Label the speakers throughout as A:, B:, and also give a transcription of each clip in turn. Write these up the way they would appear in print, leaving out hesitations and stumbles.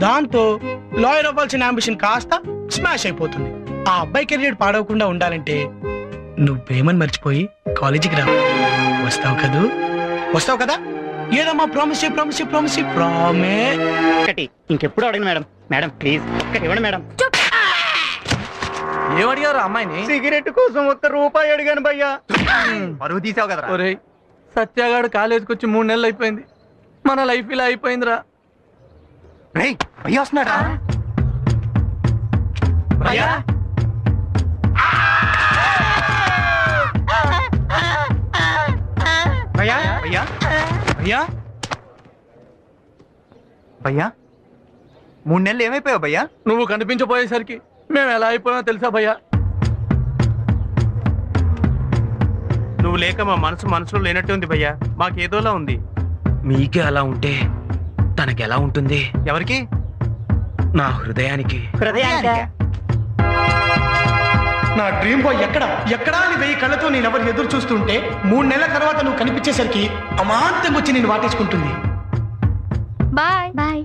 A: దాంతో లాయర్ అవ్వాల్సిన అంబిషన్ కాస్త స్మాష్ అయిపోతుంది. ఆ అబ్బాయి కెరీర్ పాడవకుండా ఉండాలంటే నువ్వేమని మర్చిపోయి కాలేజీకి రా. వస్తావు కదూ? వస్తావు కదా? ఏదమ్మా ప్రామిస్
B: ఇంకెప్పుడు అడగను మేడం. మేడం ప్లీజ్ ఇవ్వండి మేడం.
C: ఏమడిగారు అమ్మాయిని?
B: సిగరెట్ కోసం ₹1 అడిగాను భయ్యా. పరువు తీసావు కదా.
C: ఒరేయ్, సత్యాగాడు కాలేజీకి వచ్చి 3 నెలలు అయిపోయింది. మన లైఫ్ ఇలా అయిపోయిందిరా.
B: భయ్యా వస్తున్నాడా? భయ్యా భయ్యా భయ్యా భయ్యా భయ్యా 3 నెలలు ఏమైపోయావు భయ్యా?
C: నువ్వు కనిపించబోయేసరికి మేము ఎలా అయిపోయామో తెలుసా భయ్యా?
D: నువ్వు లేక మా మనసులో లేనట్టు ఉంది భయ్యా. మాకేదోలా ఉంది.
E: మీకే అలా ఉంటే తనకెలా ఉంటుంది?
B: ఎవరికి?
E: నా హృదయానికి.
A: నా డ్రీమ్ బాయ్ ఎక్కడా అని 1000 కళ్ళతో నేనెవరు ఎదురు చూస్తుంటే 3 నెలల తర్వాత నువ్వు కనిపించేసరికి అమాంతంగా వచ్చి నేను వాటేసుకుంటుంది.
F: Bye bye.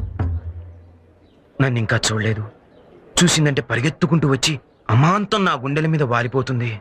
E: నన్ను ఇంకా చూడలేదు. చూసిందంటే పరిగెత్తుకుంటూ వచ్చి అమాంతం నా గుండెల మీద వాలిపోతుంది.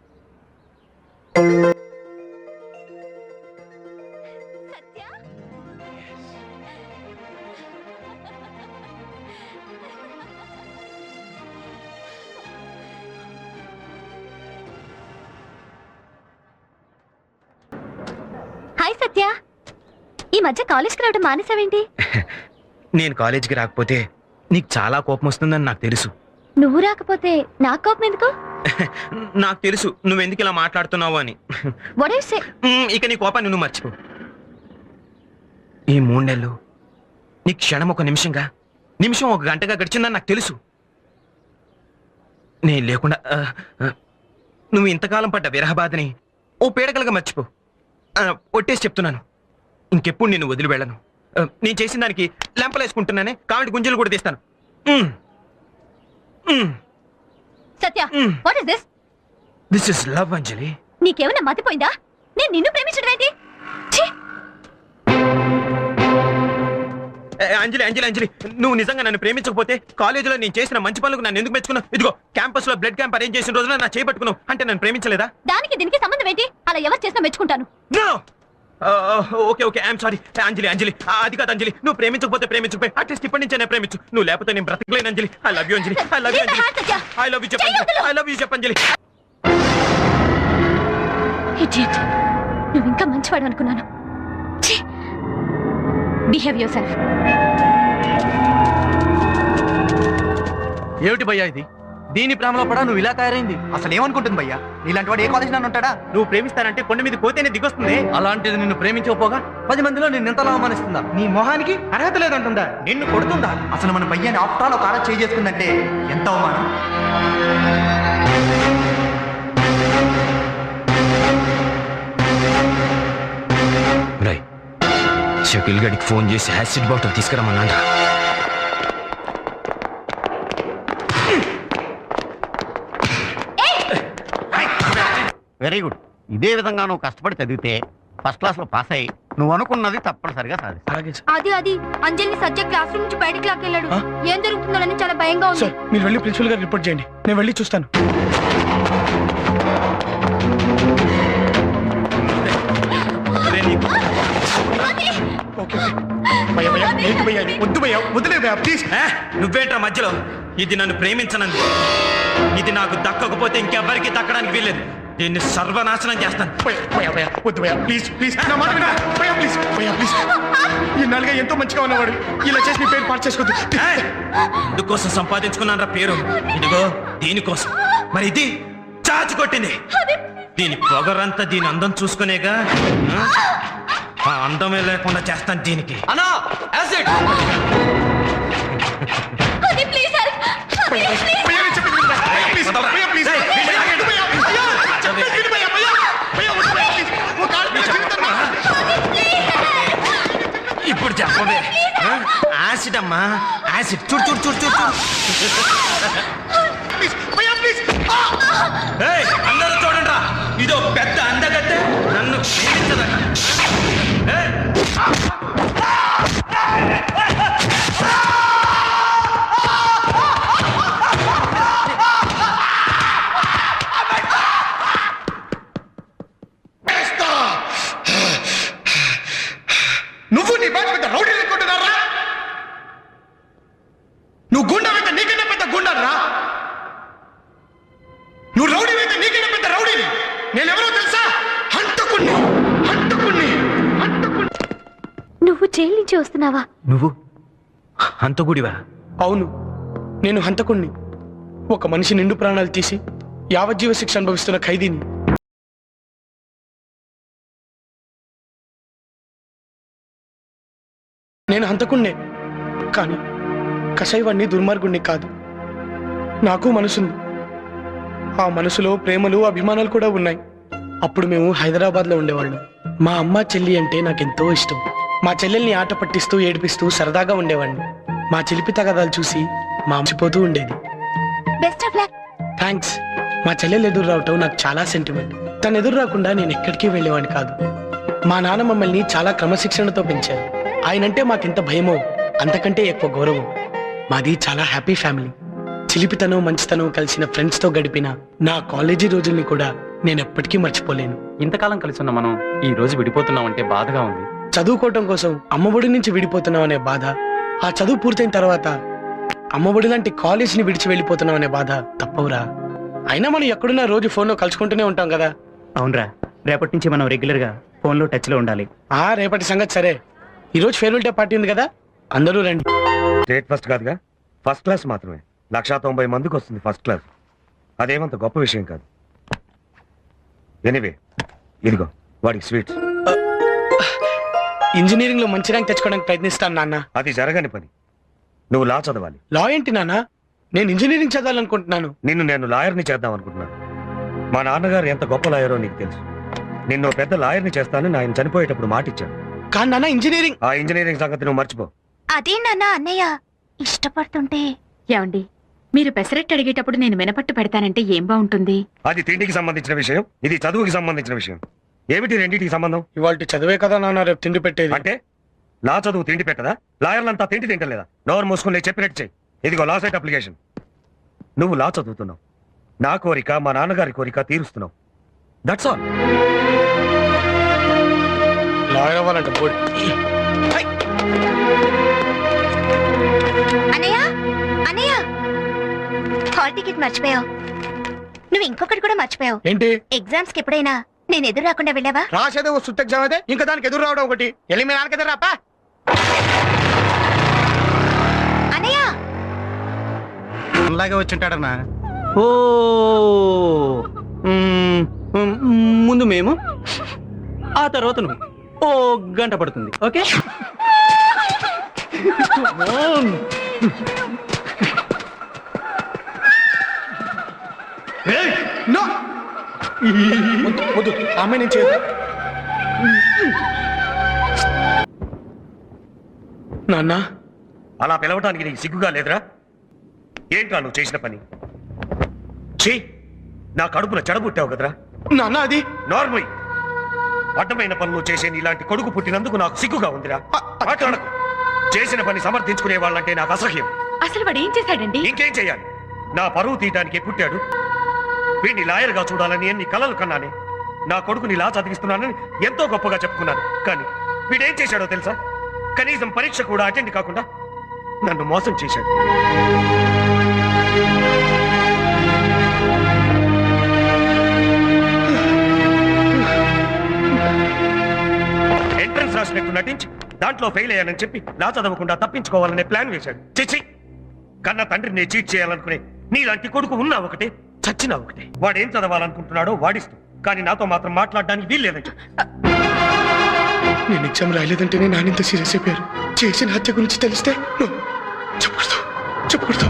F: హాయ్ సత్య, ఈ మధ్య కాలేజ్కి రావడం మానేసావేంటి?
E: నేను కాలేజీకి రాకపోతే నీకు చాలా కోపం వస్తుందని నాకు తెలుసు.
F: నువ్వు రాకపోతే నాకు కోపం ఎందుకు?
E: నాకు తెలుసు నువ్వెందుకు ఇలా మాట్లాడుతున్నావు అని.
F: What do you say?
E: ఇక నీ కోపాన్ని నువ్వు మర్చిపో. ఈ 3 నెలలు నీ క్షణం ఒక నిమిషంగా, నిమిషం ఒక గంటగా గడిచిందని నాకు తెలుసు. నేను లేకుండా నువ్వు ఇంతకాలం పడ్డ విరహబాధని ఓ పీడకలుగా మర్చిపో. ఒట్టేసి చెప్తున్నాను, ఇంకెప్పుడు నేను వదిలి వెళ్ళను. నేను చేసిన దానికి లెంపలేసుకుంటున్నానే, కాబట్టి గుంజలు కూడా తీస్తాను.
F: Satya, what is this?
E: This is love Anjali.
F: నీకేమైనా మతిపోయిందా? నేను నిన్ను ప్రేమించడం ఏంటి?
E: అంజలి అంజలి అంజలి, నువ్వు నిజంగా నన్ను ప్రేమించకపోతే కాలేజీలో నేను చేసిన మంచి పనులకు నన్ను ఎందుకు మెచ్చుకున్నావు? ఇదిగో క్యాంపస్ లో బ్లడ్ క్యాంప్ అరేంజ్ చేసిన రోజున నా చేపట్టుకున్నావు అంటే నన్ను ప్రేమించలేదా?
F: దానికి దీనికి సంబంధం ఏంటి? అలా ఎవరు చేసినా మెచ్చుకుంటాను.
E: Okay okay, I'm sorry. Anjali Anjali, అది కాదు అంజలి. నువ్వు ప్రేమించకపోతే ప్రేమించకపోయి అట్లీస్ట్ ఇప్పటి నుంచే నేను ప్రేమించు. నువ్వు లేకపోతే నేను బ్రతకలేను Anjali. I love you Anjali. I love you Anjali. I love you చెప్పండి. ఐ లవ్ యూ చెప్పంజలి.
F: ఇడియట్, నువ్వు ఇంకా మంచివాడు అనుకున్నాను. Behave yourself.
C: ఏమిటి భయ్యా ఇది? దీని ప్రేమలో పడా నువ్వు ఇలా తయారైంది?
B: అసలు ఏమనుకుంటుంది భయ్యా? నీలాంటి వాడు ఏ కాలేజ్ నన్ను ఉంటాడా?
D: నువ్వు ప్రేమిస్తానంటే కొండ మీద కోతేనే దిగొస్తుంది.
C: అలాంటిది నిన్ను ప్రేమించకపోగా 10 మందిలో నిన్ను ఎంతలా అవమానిస్తుందా?
A: నీ మొహానికి అర్హత లేదంటుందా?
B: నిన్ను కొడుతుందా? అసలు మన భయ్యాన్ని ఆప్టాల్ ఒక ఆరా చేసుకుందంటే ఎంత అవమానం.
E: షకీల్ గడికి ఫోన్ చేసి యాసిడ్ బాటిల్ తీసుకురమ్మన్నాడా?
G: Very good. ఇదే విధంగా నువ్వు కష్టపడి చదివితే ఫస్ట్ క్లాస్ లో పాస్ అయ్యి నువ్వు అనుకున్నది తప్పనిసరిగా సాధిస్తావు.
F: అది అంజలిని సత్య క్లాస్ రూమ్ నుంచి బయటకు లాక్కెళ్ళాడు. ఏం జరుగుతుందో చాలా భయంగా ఉంది.
A: మీరు వెళ్ళి ప్రిన్సిపల్ గారు రిపోర్ట్ చేయండి, నేను వెళ్ళి చూస్తాను.
E: నువ్వేంట్రా మధ్యలో? ఇది నన్ను ప్రేమించనంది. ఇది నాకు దక్కకపోతే ఇంకెవ్వరికి దక్కడానికి వీల్లేదు. దీన్ని సర్వనాశనం చేస్తాను.
A: ఇన్నాళ్ళుగా ఎంతో మంచిగా ఉన్నవాడు ఇలా చేసి మీ పేరు పాటు చేసుకోవద్దు.
E: ఇందుకోసం సంపాదించుకున్నాను రా పేరు. ఇదిగో దీనికోసం. మరి ఇది చాచి కొట్టింది. దీని పొగరంతా దీని అందం చూసుకునేగా. ఆ అందమే లేకుండా చేస్తాను దీనికి.
C: అన్నా యాసిడ్.
E: ఇప్పుడు చెప్పవే. యాసిడ్ అమ్మా, యాసిడ్. చూడు చూడు చూడు చూడు అందరూ చూడండి రా, ఇదో పెద్ద అందగత్తె నన్ను ప్రేమించదట.
F: జైలు నుంచి వస్తున్నావా?
E: నువ్వు హంతకుడివా?
A: అవును, నేను హంతకుణ్ణి. ఒక మనిషి నిండు ప్రాణాలు తీసి యావజ్జీవ శిక్ష అనుభవిస్తున్న ఖైదీని. నేను హంతకుణ్ణే, కానీ కషాయవాణ్ణి దుర్మార్గుణ్ణి కాదు. నాకు మనసుంది. ఆ మనసులో ప్రేమలు అభిమానాలు కూడా ఉన్నాయి. అప్పుడు మేము హైదరాబాద్లో ఉండేవాళ్ళం. మా అమ్మ చెల్లి అంటే నాకెంతో ఇష్టం. మా చెల్లెల్ని ఆట పట్టిస్తూ ఏడిపిస్తూ సరదాగా ఉండేవాడిని. మా చిలిపి తగాదాలు చూసి మా మర్చిపోతూ ఉండేది.
F: Best of luck.
A: థ్యాంక్స్. మా చెల్లెలు ఎదురు రావటం నాకు చాలా సెంటిమెంట్. తను ఎదురు రాకుండా నేను ఎక్కడికి వెళ్ళేవాడిని కాదు. మా నాన్న మమ్మల్ని చాలా క్రమశిక్షణతో పెంచారు. ఆయనంటే మాకెంత భయమో అంతకంటే ఎక్కువ గౌరవం. మాది చాలా హ్యాపీ ఫ్యామిలీ. చిలిపితనం మంచితనం కలిసిన ఫ్రెండ్స్తో గడిపిన నా కాలేజీ రోజుల్ని కూడా నేను ఎప్పటికీ మర్చిపోలేను.
C: ఇంతకాలం కలిసి ఉన్న మనం ఈ రోజు విడిపోతున్నామంటే బాధగా ఉంది.
A: చదువుకోవటం కోసం అమ్మఒడి నుంచి విడిపోతున్నాం అనే బాధ, ఆ చదువు పూర్తయిన తర్వాత అమ్మఒడి లాంటి కాలేజీని విడిచి వెళ్ళిపోతున్నాం అనే బాధ తప్పవురా. అయినా మనం ఎక్కడున్నా రోజు ఫోన్లో కలుసుకుంటూనే ఉంటాం కదా.
B: అవునరా, రేపటి నుంచి మనం రెగ్యులర్ గా ఫోన్ లో టచ్ లో ఉండాలి.
A: రేపటి సంగతి సరే. ఈరోజు ఫేర్వెల్ డే పార్టీ ఉంది కదా, అందరూ రండి.
H: స్టేట్ ఫస్ట్ కాదుగా, ఫస్ట్ క్లాస్ మాత్రమే. 190 మందికి వస్తుంది ఫస్ట్ క్లాస్. అదేమంత గొప్ప విషయం కాదు. ఎనీవే, ఇదిగో వాడికి స్వీట్స్.
A: ఇంజనీరింగ్ లో మంచి ర్యాంక్ తెచ్చుకోవడానికి ప్రయత్నిస్తాను నాన్న.
H: అది జరగని పని. నువ్వు లా చదవాలి.
A: లా ఏంటి నాన్న? నేను ఇంజనీరింగ్ చదవాలనుకుంటున్నాను.
H: నిన్ను నేను లాయర్ని చేద్దాం అనుకుంటున్నాను. మా నాన్నగారు ఎంత గొప్ప లాయరో నీకు తెలుసు. నిన్ను పెద్ద లాయర్ని చేస్తానని ఆయన చనిపోయేటప్పుడు మాట ఇచ్చాడు.
A: కానీ నాన్న ఇంజనీరింగ్
H: ఆ ఇంజనీరింగ్ సంగతి నువ్వు మర్చిపో.
F: అదే నాన్న అన్నయ్య ఇష్టపడుతుంటే.
I: ఏమండి, మీరు పెసరెట్టు అడిగేటప్పుడు నేను మినపట్టు పెడతానంటే ఏం బాగుంటుంది?
H: అది తిండికి సంబంధించిన విషయం, ఇది చదువుకి సంబంధించిన విషయం. ఏమిటి రెండింటికి సంబంధం?
A: ఇవాళ చదివే కదా నాన్న రేపు తిండి పెట్టేది.
H: అంటే లా చదువు తిండి పెట్టదా? లాయర్లంతా తిండి తింటలేదా? నోరు మూసుకుని చెప్పినట్టు చెయ్యి. ఇదిగో లా సెట్ అప్లికేషన్. నువ్వు లా చదువుతున్నావు, నా కోరిక మా నాన్నగారి కోరిక తీరుస్తున్నావు. That's all.
A: లాయర్ అవ్వాలంట బోర్డు.
F: అన్నయ్య అన్నయ్య, హాల్ టికెట్ మర్చిపోయావు. నువ్వు ఇంకొకటి కూడా మర్చిపోయావు.
A: ఏంటి?
F: ఎగ్జామ్స్ కి ఎప్పుడైనా నేను ఎదురు రాకుండా వెళ్ళావా?
A: రాసేదే ఓ సుత్త ఎగ్జామ్ అయితే ఇంకా దానికి ఎదురు రావడం ఒకటి. వెళ్ళి మీ నాన్నకి ఎదురు రాపా.
F: అన్నయ్య
G: అలాగే వచ్చింటాడన్నా.
C: ఓ ముందు మేము, ఆ తర్వాత నువ్వు. ఓ గంట పడుతుంది. ఓకే.
A: నో వద్దు, ఆమె నేను చేయదు. నాన్న
H: అలా పిలవటానికి నీకు సిగ్గుగా లేదురా? ఏంట్రా నువ్వు చేసిన పని? చీ, నా కడుపున చెడబుట్టావు కదరా.
A: నాన్న అది
H: నార్మల్ అడ్డమైన పనులు చేసే ఇలాంటి కొడుకు పుట్టినందుకు నాకు సిగ్గుగా ఉందిరా. మాట్లాడకు. చేసిన పని సమర్థించుకునే వాళ్ళంటే నాకు అసహ్యం.
I: అసలు వాడు ఏం చేశాడండి?
H: ఇంకేం చెయ్యాలి? నా పరువు తీయటానికి పుట్టాడు. వీడిని లాయర్గా చూడాలని ఎన్ని కలలు కన్నానే. నా కొడుకుని లా చదివిస్తున్నానని ఎంతో గొప్పగా చెప్పుకున్నాను. కానీ వీడేం చేశాడో తెలుసా? కనీసం పరీక్ష కూడా అటెండ్ కాకుండా నన్ను మోసం చేశాడు. ఎంట్రన్స్ రాసినట్టు నటించి దాంట్లో ఫెయిల్ అయ్యానని చెప్పి లా చదవకుండా తప్పించుకోవాలనే ప్లాన్ వేశాడు. చిచి, కన్న తండ్రిని చీట్ చేయాలనుకునే నీలాంటి కొడుకు ఉన్నా ఒకటే, చచ్చినా ఒకటే. వాడేం చదవాలనుకుంటున్నాడో వాడిస్తూ, కానీ నాతో మాత్రం మాట్లాడడానికి వీల్లేదని చెప్పి.
A: నేను ఎగ్జామ్ రాయలేదంటేనే నానింత సీరియస్ అయిపోయారు. చేసిన హత్య గురించి తెలిస్తే చెప్పకూడదు చెప్పకూడదు.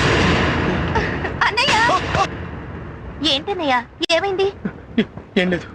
F: ఏంటన్నయ్య, ఏమైంది?
A: ఏం లేదు.